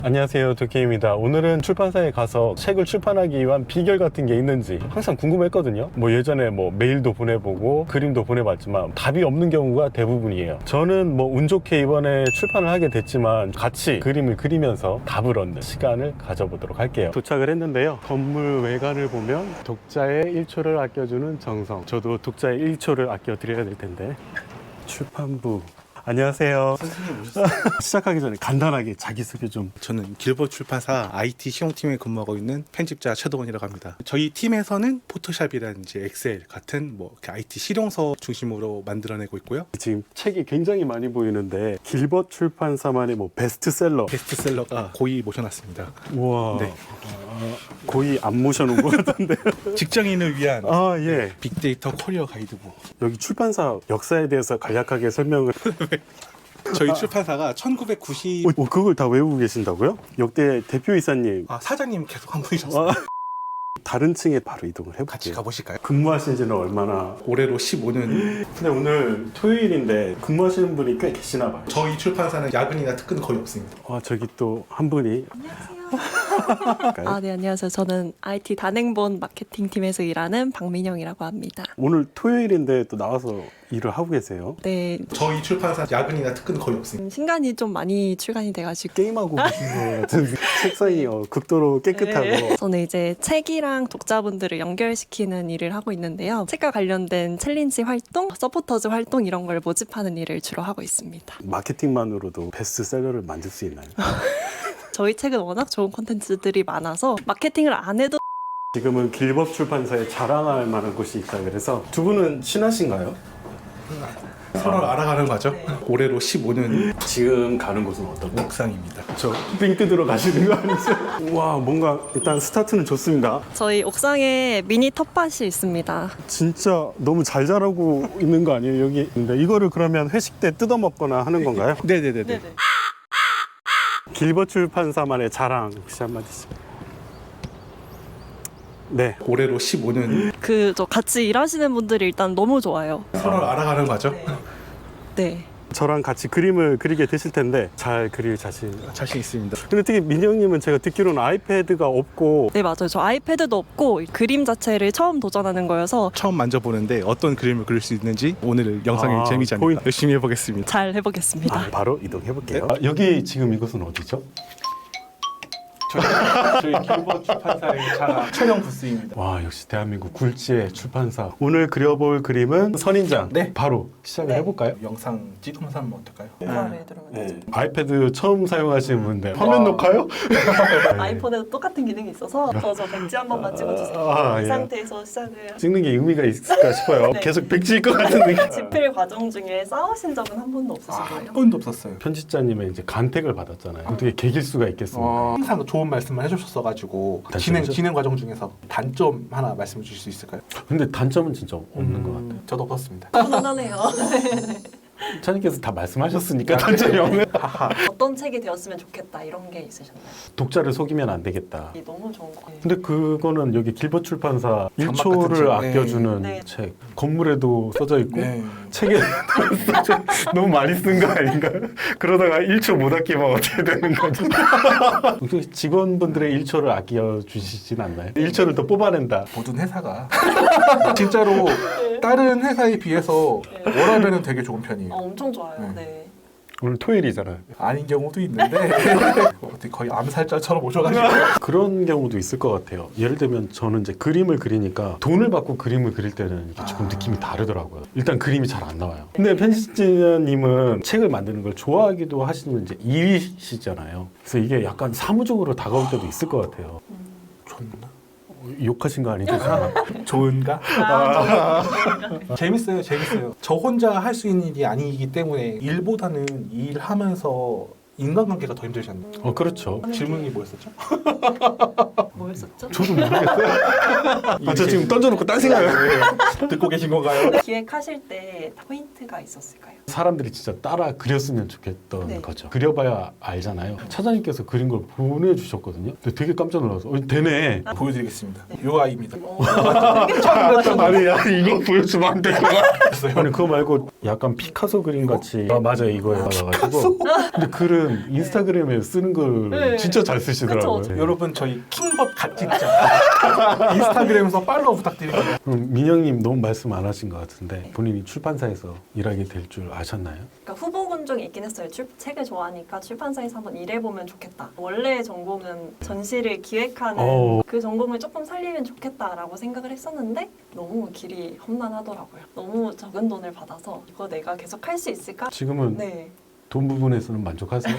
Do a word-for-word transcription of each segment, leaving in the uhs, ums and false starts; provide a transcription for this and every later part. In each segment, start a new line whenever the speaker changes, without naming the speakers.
안녕하세요, 도케입니다. 오늘은 출판사에 가서 책을 출판하기 위한 비결 같은 게 있는지 항상 궁금했거든요. 뭐 예전에 뭐 메일도 보내보고 그림도 보내봤지만 답이 없는 경우가 대부분이에요. 저는 뭐 운 좋게 이번에 출판을 하게 됐지만 같이 그림을 그리면서 답을 얻는 시간을 가져보도록 할게요. 도착을 했는데요. 건물 외관을 보면 독자의 일 초를 아껴주는 정성. 저도 독자의 일 초를 아껴드려야 될 텐데. 출판부. 안녕하세요.
선생님 오셨어요?
시작하기 전에 간단하게 자기소개 좀.
저는 길버 출판사 아이티 시용팀에 근무하고 있는 편집자 최도원이라고 합니다. 저희 팀에서는 포토샵이라든지 엑셀 같은 뭐 아이티 실용서 중심으로 만들어내고 있고요.
지금 책이 굉장히 많이 보이는데 길벗 출판사만의 뭐 베스트셀러.
베스트셀러가 고이 모셔놨습니다.
우와.
네.
아, 거의 안 모셔놓은 것 같은데.
직장인을 위한
아, 예.
빅데이터 커리어 가이드북.
여기 출판사 역사에 대해서 간략하게 설명을.
저희 출판사가 천구백구십...
어, 그걸 다 외우고 계신다고요? 역대 대표이사님.
아, 사장님 계속 한 분이셨어요.
아, 다른 층에 바로 이동을 해볼게요.
같이 가보실까요?
근무하신 지는 얼마나?
올해로 십오 년.
근데 오늘 토요일인데 근무하시는 분이 꽤 계시나 봐요.
저희 출판사는 야근이나 특근은 거의 없습니다.
아, 저기 또 한 분이.
아, 네, 안녕하세요. 저는 아이티 단행본 마케팅팀에서 일하는 박민영이라고 합니다.
오늘 토요일인데 또 나와서 일을 하고 계세요.
네,
저희 출판사 야근이나 특근은 거의 없습니다.
음, 신간이 좀 많이 출간이 돼가지고
게임하고 계신 것 같은 책상이 어, 극도로 깨끗하고.
네. 저는 이제 책이랑 독자분들을 연결시키는 일을 하고 있는데요. 책과 관련된 챌린지 활동, 서포터즈 활동 이런 걸 모집하는 일을 주로 하고 있습니다.
마케팅만으로도 베스트셀러를 만들 수 있나요?
저희 책은 워낙 좋은 콘텐츠들이 많아서 마케팅을 안 해도
지금은 길벗 출판사에 자랑할 만한 곳이 있다 그래서. 두 분은 친하신가요?
서로 알아가는 거죠. 올해로 십오 년
지금 가는 곳은 어떤 곳?
옥상입니다.
저 빙 뜯으러 가시는 거 아니죠? 와, 뭔가 일단 스타트는 좋습니다.
저희 옥상에 미니 텃밭이 있습니다.
진짜 너무 잘 자라고 있는 거 아니에요, 여기? 근데 이거를 그러면 회식 때 뜯어 먹거나 하는 건가요?
네네네네.
길벗 출판사만의 자랑 혹시 한마디씩. 네.
올해로 십오 년.
그 저 같이 일하시는 분들이 일단 너무 좋아요.
서로 알아가는 거죠.
네.
저랑 같이 그림을 그리게 되실 텐데 잘 그릴 자신.
자신 있습니다.
근데 특히 민영님은 제가 듣기로는 아이패드가 없고.
네, 맞아요. 저 아이패드도 없고 그림 자체를 처음 도전하는 거여서
처음 만져보는데 어떤 그림을 그릴 수 있는지 오늘 영상이
아,
재미지 않을까
포인트.
열심히 해보겠습니다.
잘 해보겠습니다.
아, 바로 이동해 볼게요. 아, 여기 지금 이곳은 어디죠?
저희 길벗 출판사의 자랑 촬영 부스입니다.
와, 역시 대한민국 굴지의 출판사. 오늘 그려볼 그림은 선인장.
네.
바로 시작을
네.
해볼까요?
영상 찍으면서 하면 어떨까요?
이거를 들으면
네.
되죠.
아이패드 처음 사용하시는 분인데 화면 녹화요?
아이폰에도 똑같은 기능이 있어서 저, 저 백지 한 번만 찍어주세요.
아,
이
예.
상태에서 시작을.
찍는 게 의미가 있을까 싶어요.
네.
계속 백지일 것 같은 느낌.
집필 과정 중에 싸우신 적은 한 번도 없으신가요?
한 번도 없었어요.
편집자님의 이제 간택을 받았잖아요. 어떻게 개길 수가 있겠습니까?
어, 항상 좋은 말씀을 해주셨어가지고
단점이죠?
진행 진행 과정 중에서 단점 하나 말씀해 주실 수 있을까요?
근데 단점은 진짜 없는 것 같아요.
저도 없었습니다.
훈훈하네요.
차님께서 다 말씀하셨으니까 단점이 없는.
어떤 책이 되었으면 좋겠다 이런 게 있으셨나요?
독자를 속이면 안 되겠다.
이게 너무 좋은 거 같아요.
근데 그거는 여기 길벗 출판사
장막
일 초를
같은 책.
아껴주는
네.
책. 건물에도 써져 있고
네.
책에 써져 너무 많이 쓴 거 아닌가? 그러다가 일 초 못 아끼면 어떻게 되는 거죠? 혹시 직원분들의 일 초를 아껴주시진 않나요? 일 초를 더 뽑아낸다.
모든 회사가 진짜로 다른 회사에 비해서 워라밸은 되게 좋은 편이에요.
아, 엄청 좋아요.
네.
네.
오늘 토요일이잖아요.
아닌 경우도 있는데 어떻게 거의 암살자처럼 오셔가지고
그런 경우도 있을 것 같아요. 예를 들면 저는 이제 그림을 그리니까 돈을 받고 그림을 그릴 때는 이게 조금 느낌이 다르더라고요. 일단 그림이 잘 안 나와요. 근데 편집자님은 책을 만드는 걸 좋아하기도 하시는 이제 일이시잖아요. 그래서 이게 약간 사무적으로 다가올 때도 있을 것 같아요.
좋나?
욕하신 거 아니죠?
좋은가?
아,
재밌어요, 재밌어요. 저 혼자 할 수 있는 일이 아니기 때문에 일보다는 일하면서 인간관계가 더 힘들지 않나요?
어, 그렇죠.
질문이 뭐였었죠?
뭐였었죠?
저도 모르겠어요. 아, 저 지금 던져놓고 딴 생각을.
듣고 계신 건가요?
기획하실 때 포인트가 있었을까요?
사람들이 진짜 따라 그렸으면 좋겠던
네.
거죠. 그려봐야 알잖아요. 차장님께서 그린 걸 보내주셨거든요. 근데 되게 깜짝 놀라서 어, 되네.
보여드리겠습니다. 요 아이입니다.
어,
아니야 이거 보여주면 안 될 것 같았어요. 아니 그거 말고 약간 피카소 그림 같이 아 맞아요 이거에 받아가지고 근데 글은 인스타그램에 쓰는 걸
네.
진짜 잘 쓰시더라고요.
그쵸.
여러분 저희 킹벗 갓직자 인스타그램에서 팔로우 부탁드립니다.
그럼 민영님 너무 말씀 안 하신 것 같은데 본인이 출판사에서 일하게 될 줄 아셨나요?
그러니까 후보군 중에 있긴 했어요. 출, 책을 좋아하니까 출판사에서 한번 일해보면 좋겠다. 원래 전공은 전시를 기획하는
어.
그 전공을 조금 살리면 좋겠다라고 생각을 했었는데 너무 길이 험난하더라고요. 너무 적은 돈을 받아서 이거 내가 계속 할 수 있을까?
지금은
네.
돈 부분에서는 만족하세요?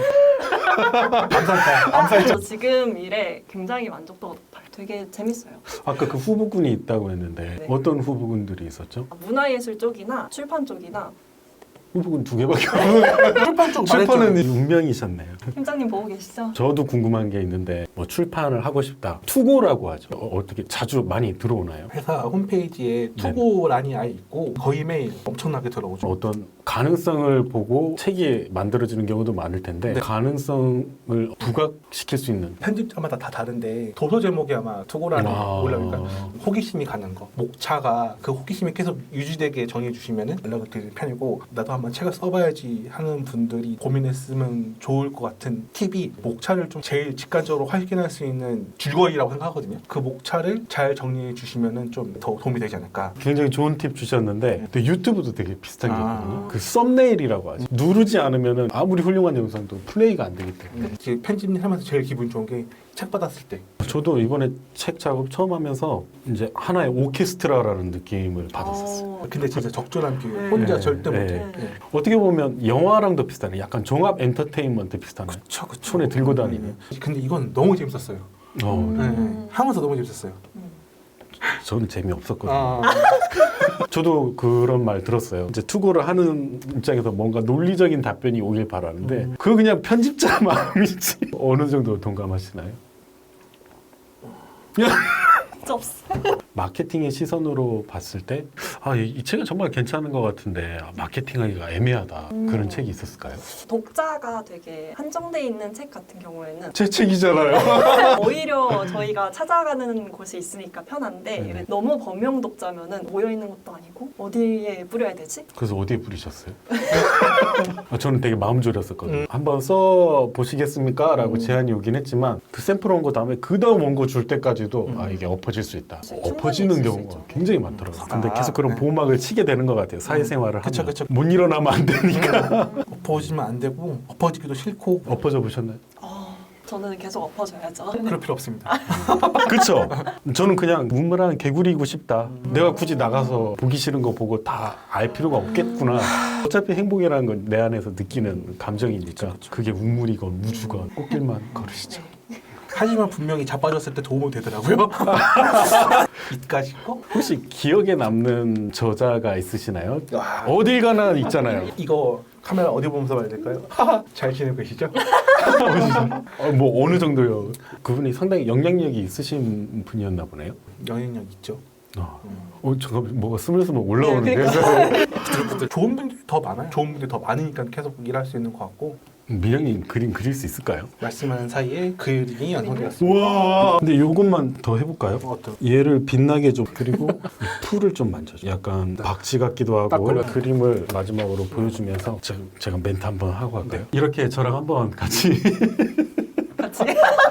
감사합니다.
저 지금 일에 굉장히 만족도가 높아요. 되게 재밌어요.
아까 그 후보군이 있다고 했는데
네.
어떤 후보군들이 있었죠?
문화예술 쪽이나 출판 쪽이나
후보군 두 개밖에 없는
출판 쪽
출판은 운명이셨네요.
팀장님 보고 계시죠?
저도 궁금한 게 있는데 뭐 출판을 하고 싶다. 투고라고 하죠. 어, 어떻게 자주 많이 들어오나요?
회사 홈페이지에 투고란이 아예 있고 거의 매일 엄청나게 들어오죠.
어떤 가능성을 보고 책이 만들어지는 경우도 많을 텐데
네.
가능성을 부각시킬 수 있는
편집자마다 다 다른데 도서 제목이 아마 투고란에
아.
올라오니까 호기심이 가는 거, 목차가 그 호기심이 계속 유지되게 정해 주시면은 연락을 드리는 편이고 나도 한번 책을 써봐야지 하는 분들이 고민했으면 좋을 것 같은 팁이 목차를 좀 제일 직관적으로 확인할 수 있는 줄거리라고 생각하거든요. 그 목차를 잘 정리해 주시면은 좀 더 도움이 되지 않을까.
굉장히 좋은 팁 주셨는데 근데 유튜브도 되게 비슷한 게
아.
있거든요. 그 썸네일이라고 하죠. 누르지 않으면은 아무리 훌륭한 영상도 플레이가 안 되기 때문에
이제 편집을 하면서 제일 기분 좋은 게 책 받았을 때
저도 이번에 책 작업 처음 하면서 이제 하나의 오케스트라라는 느낌을 받았었어요.
어,
근데 진짜 적절한 비율
네.
혼자
네.
절대
네.
못해.
네.
네.
어떻게 보면 영화랑도 비슷하네. 약간 종합 엔터테인먼트 비슷하네.
그쵸 그쵸.
손에 들고 다니는.
음. 근데 이건 너무 재밌었어요.
어,
음.
네, 네. 하면서 너무 재밌었어요.
저는 재미없었거든요.
아,
저도 그런 말 들었어요. 이제 투고를 하는 입장에서 뭔가 논리적인 답변이 오길 바라는데
음.
그거 그냥 편집자 마음이지. 어느 정도 동감하시나요?
진짜 없어.
마케팅의 시선으로 봤을 때 아, 이, 이 책은 정말 괜찮은 것 같은데 아, 마케팅하기가 애매하다.
음.
그런 책이 있었을까요?
독자가 되게 한정돼 있는 책 같은 경우에는
제 책이잖아요.
오히려 저희가 찾아가는 곳이 있으니까 편한데
네네.
너무 범용 독자면은 모여 있는 것도 아니고 어디에 뿌려야 되지?
그래서 어디에 뿌리셨어요? 아, 저는 되게 마음 졸였었거든요.
음.
한번 써 보시겠습니까? 라고
음.
제안이 오긴 했지만 그 샘플 온 거 다음에 그 다음 온 거 줄 때까지도
음.
아 이게 엎어질 수 있다.
충분히
엎어지는
있을 수
경우가
있죠.
굉장히 많더라고요.
음.
근데
아,
계속 그런
네.
보호막을 치게 되는 것 같아요. 사회생활을 하면.
그쵸, 그쵸.
못 일어나면 안 되니까.
엎어지면 안 되고 엎어지기도 싫고
엎어져 보셨나요?
어, 저는 계속 엎어져야죠.
그럴 필요 없습니다.
그쵸? 저는 그냥 문물한 개구리이고 싶다.
음.
내가 굳이 나가서 보기 싫은 거 보고 다 알 필요가 없겠구나. 어차피 행복이라는 건 내 안에서 느끼는 감정이니까 그게 우물이건 우주건 꽃길만 걸으시죠.
네.
하지만 분명히 자빠졌을 때 도움은 되더라고요. 이까짓 거?
혹시 기억에 남는 저자가 있으시나요?
와,
어딜 가나 있잖아요.
이거 카메라 어디 보면서 봐야 될까요? 잘 지내고 계시죠?
어, 뭐 어느 정도요? 그분이 상당히 영향력이 있으신 분이었나 보네요.
영향력 있죠.
어,
음.
어 잠깐 뭐가 스물스물 올라오는데
네,
부들부들. 좋은 분들이 더 많아요. 좋은 분들이 더 많으니까 계속 일할 수 있는 것 같고
미령님 그림 그릴 수 있을까요?
말씀하는 사이에 그림이 완성되었습니다.
우와. 근데 요것만 더 해볼까요?
어떤?
얘를 빛나게 좀 그리고 이 풀을 좀 만져줘. 약간 박쥐 같기도
딱
하고
걸려.
그림을 마지막으로 보여주면서 제가, 제가 멘트 한번 하고 갈까요? 이렇게 저랑 한번 같이
같이.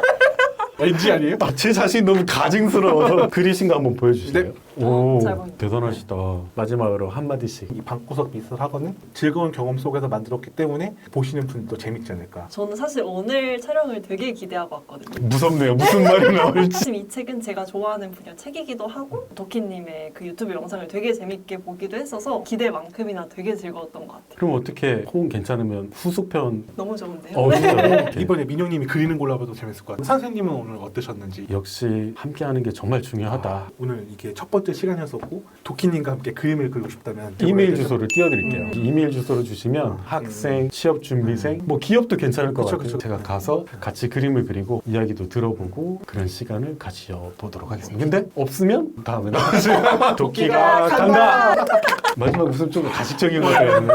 왠지 아니에요?
아, 제 자신이 너무 가증스러워서 그리신 거 한번 보여주실래요?
네.
오,
잘 보인다.
대단하시다. 마지막으로 한마디씩.
이 방구석 미술 학원은 즐거운 경험 속에서 만들었기 때문에 보시는 분들도 재밌지 않을까.
저는 사실 오늘 촬영을 되게 기대하고 왔거든요.
무섭네요. 무슨 말이 나올지.
사실 이 책은 제가 좋아하는 분야 책이기도 하고 도키님의 그 유튜브 영상을 되게 재밌게 보기도 했어서 기대만큼이나 되게 즐거웠던 것 같아요.
그럼 어떻게 호응 괜찮으면 후속편
너무 좋은데요?
어, 진짜요?
이번에 민영님이 그리는 걸로 해도 재밌을 것 같아요. 선생님은 오늘 어떠셨는지.
역시 함께하는 게 정말 중요하다.
아, 오늘 이게 첫 번째 번째 시간이었었고 도키님과 함께 그림을 그리고 싶다면
이메일 주소를 띄워드릴게요.
음.
이메일 주소를 주시면 학생, 취업 준비생, 뭐 기업도 괜찮을 것
그쵸,
같아요.
그쵸.
제가 가서 같이 그림을 그리고 이야기도 들어보고 그런 시간을 가져보도록 하겠습니다. 근데 없으면 다음에 도끼가 간다. 마지막 웃음 좀 가식적인 것 같아요.